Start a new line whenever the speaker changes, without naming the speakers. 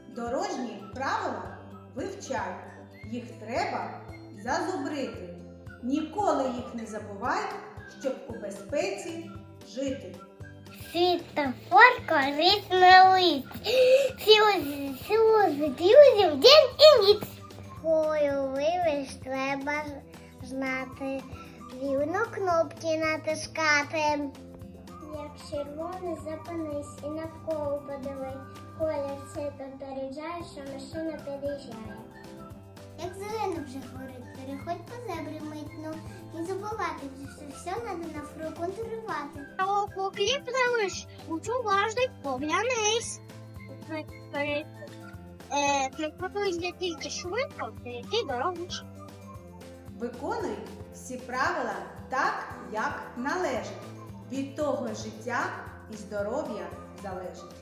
Дорожні правила вивчай, їх треба зазубрити. Ніколи їх не забувай, щоб у безпеці жити.
Світофор корисна лист. Сіло з друзів день і ніч. Кою вивиш треба знати, вільно кнопки натискати. Як червоний зупинись і навколо подивись. Колір це попереджає, що машина під'їжджає. Як зелено вже горить, переходь по зебрі митно. Не забувати, що все треба навкруги контролювати. А покліп залиш, будь уважний, поглянись. Не тільки швидко, перейти дорогу.
Виконуй всі правила так, як належить. Від того життя і здоров'я залежить.